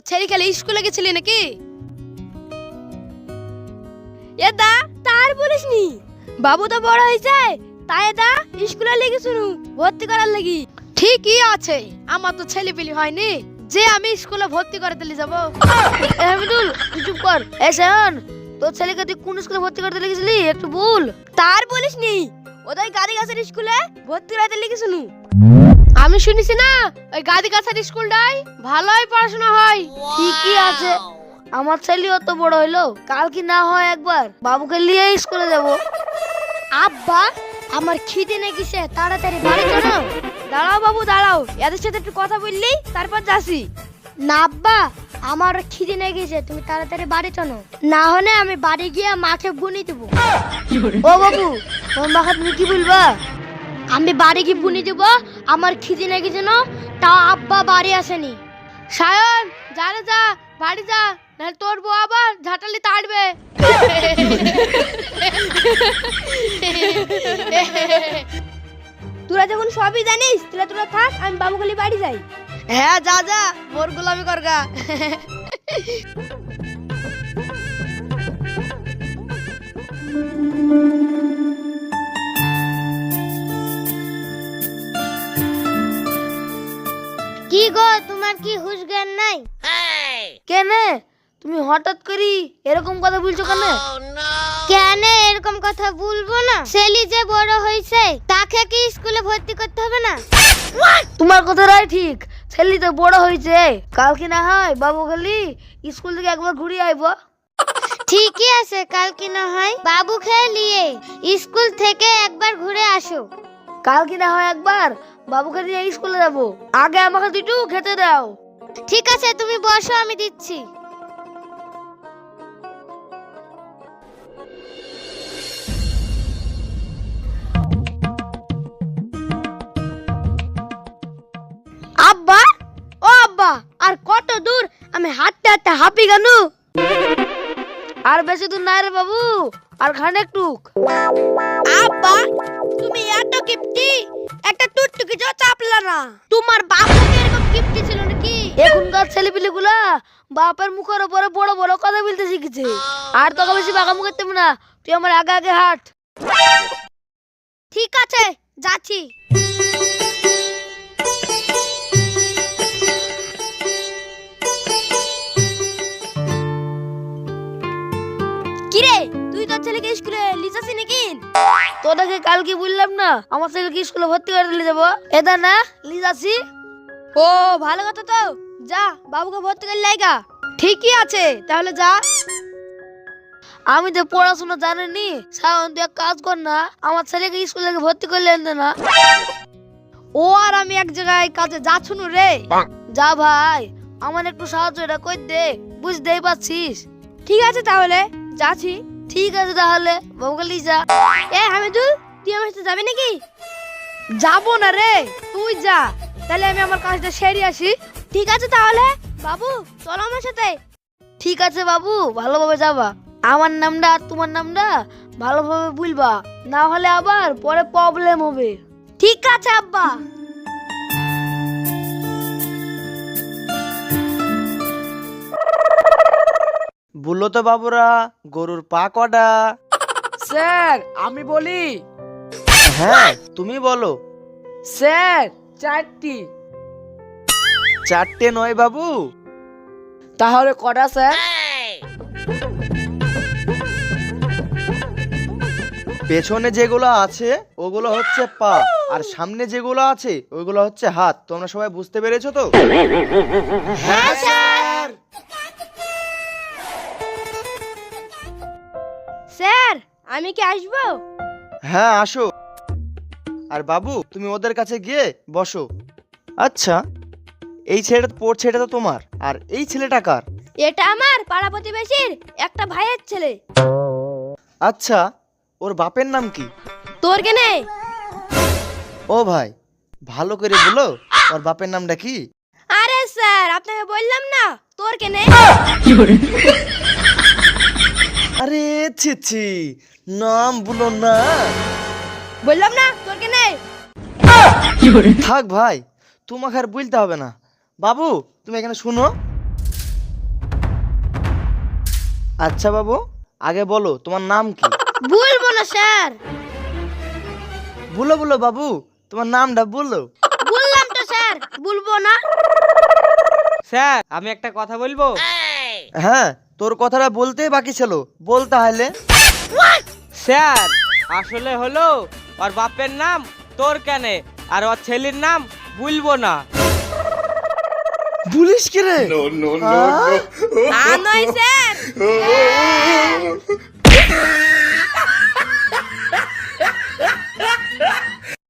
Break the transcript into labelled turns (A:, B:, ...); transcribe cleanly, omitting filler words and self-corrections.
A: ছেড়ে খেলে স্কুলে গেছিলি নাকি? এ দা তার বলিসনি, বাবু তো বড় হয়েছে, তাই দা স্কুলে লেগে শুনু ভর্তি করার লাগি। ঠিকই আছে, আমার তো ছেলে পেলি হয়নি যে আমি স্কুলে ভর্তি করে দিলে যাবো। হামিদুল তুই চুপ কর। শোন, তোর ছেলেকে তুই কোন স্কুলে ভর্তি করতে লেগেছিলি একটু বল। তার বলিসনি, ওদের গাড়ি গাছের স্কুলে ভর্তি করতে লেগেছিলু। আমি শুনেছি না ওই গাদি কাছার স্কুলটাই ভালোই পড়াশোনা হয়। ঠিকই আছে, আমার ছেলেও তো বড় হইলো, কাল কি না হয় একবার বাবুকে নিয়ে স্কুলে যাব। আব্বা আমার খিদে লেগেছে, তাড়াতাড়ি বাড়ি চলো। দাঁড়াও বাবু দাঁড়াও, এদের সাথে একটু কথা বললি তারপর যাসি। না আব্বা, আমার খিদে লেগেছে, তুমি তাড়াতাড়ি বাড়ি চলো, না হলে আমি বাড়ি গিয়ে মাকে বুনি দেবো। ও বাবু, তোমার মাকে তুমি কি বলবা? আমি বাড়ি গিয়ে বুনি দেব, আমার খিদে লেগেছে না, তা আব্বা বাড়ি আসেনি। সায়ন যা রে যা, বাড়ি যা, না তোর বউ আবার ঝাঁটালি তাড়বে। তোরা যখন সবই জানিস তোরা থাক, আমি বাবু খালি বাড়ি যাই। হ্যাঁ যা যা, মোর গোলামি করগা। কি গো, তোমার কি হুঁশ জ্ঞান নাই? কেন তুমি হঠাৎ করি এরকম কথা বলছো কেন? কেন এরকম কথা বলবো না? ছেলে যে বড় হয়েছে তাকে কি স্কুলে ভর্তি করতে হবে না? তোমার কথাটাই ঠিক, ছেলে তো বড় হয়েছে, কালকে না হয় বাবু খালি স্কুল থেকে একবার ঘুরে আইবো। ঠিকই আছে, কালকে না হয় বাবুকে নিয়ে স্কুল থেকে একবার ঘুরে আসো। কালকে না হয় একবার বাবুকে নিয়ে স্কুলে যাবো, আগে আমাকে দুটো খেতে দাও। ঠিক আছে তুমি বসো, আমি দিচ্ছি। আব্বা ও আব্বা, আর কত দূর? আমি হাঁটতে হাঁটতে হাঁপি কেন? আর বেশি দূর নাই রে বাবু, আর খানিক টুক। আব্বা তুমি এত কিপটি, একটা টুকটুকি যা চাপলা না। তোমার বাবা কি এরকম কিপটি ছিল নাকি? এখনকার ছেলেপিলেগুলা বাপের মুখের উপরে বড় বড় কথা বলতে শিখেছে। আর তোকে বেশি বাগামু করতে হবে না, তুই আমার আগে আগে হাঁট। ঠিক আছে যাচ্ছি। কিরে তুই তোর ছেলেকে স্কুলে লিজাসি নাকি? তোদেরকে কালকে বললাম না আমার ছেলেকে স্কুলে ভর্তি করে দিলে যাবো, এটা না লিজাসি। ও ভালো কথা, তো যা বাবুকে ভর্তি করে লাইগা। ঠিকই আছে তাহলে যা। আমি তো পড়াশোনা জানিনি, সায়ন তুই এক কাজ কর না, আমার ছেলেকে স্কুলে ভর্তি করলে আনতে না। ও আর আমি এক জায়গায় কাজে যাচ্ছ রে। যা ভাই, আমার একটু সাহায্য এটা কই দে, বুঝতেই পারছিস। ঠিক আছে তাহলে যাচ্ছি। ঠিক আছে তাহলে বাবুকে নিয়ে যা। এ হামিদুল তুই আমার সাথে যাবি নাকি? যাবো না রে, তুই যা, তাহলে আমি আমার কাজটা সেরে আসি। ঠিক আছে তাহলে বাবু চলো আমার সাথে। ঠিক আছে বাবু, ভালোভাবে যাবা, আমার নামটা আর তোমার নামটা ভালোভাবে বলবা, না হলে আবার পরে প্রবলেম হবে। ঠিক আছে আব্বা।
B: বললো তো বাবুরা, গরুর পা কটা?
C: স্যার আমি বলি।
B: হ্যাঁ তুমি বলো।
C: স্যার 4টি।
B: 4টে নয় বাবু।
C: তাহলে কটা স্যার?
B: পেছনে যেগুলো আছে ওগুলো হচ্ছে পা, আর সামনে যেগুলো আছে ওইগুলো হচ্ছে হাত। তোমরা সবাই বুঝতে পেরেছো তো?
A: হ্যাঁ স্যার। স্যার আমি কি আসবো?
B: হ্যাঁ আসো। আর বাবু তুমি ওদের কাছে গিয়ে বসো। আচ্ছা এই ছেলেটা পড়ছে, এটা তো তোমার, আর এই ছেলেটা কার?
A: এটা আমার পাড়া প্রতিবেশীর একটা ভাইয়ের ছেলে।
B: আচ্ছা ওর বাপের নাম কি?
A: তোর কেনে?
B: ও ভাই ভালো করে বলো, ওর বাপের নামটা কি?
A: আরে স্যার আপনাকে বললাম না, তোর কেনে?
B: আরে ছি ছি, নাম বলো না।
A: বললাম না তোর কেনে?
B: থাক ভাই, তোমাকে আর বলতে হবে না। বাবু তুমি এখানে শুনো। আচ্ছা বাবু, আগে বলো তোমার নাম কি?
A: বলবো না স্যার।
B: বলো বলো বাবু, তোমার নামটা বলো।
A: বললাম তো স্যার, বলবো না।
D: স্যার আমি একটা কথা বলবো।
B: হ্যাঁ, তোর কথাটা বলতেই বাকি ছিল, বল তাহলে।
D: স্যার আসলে হলো ওর বাপের নাম তোর কেনে আর ওর ছেলের নাম বলবো না।
B: বলিস কি রে?
A: তা নয় স্যার।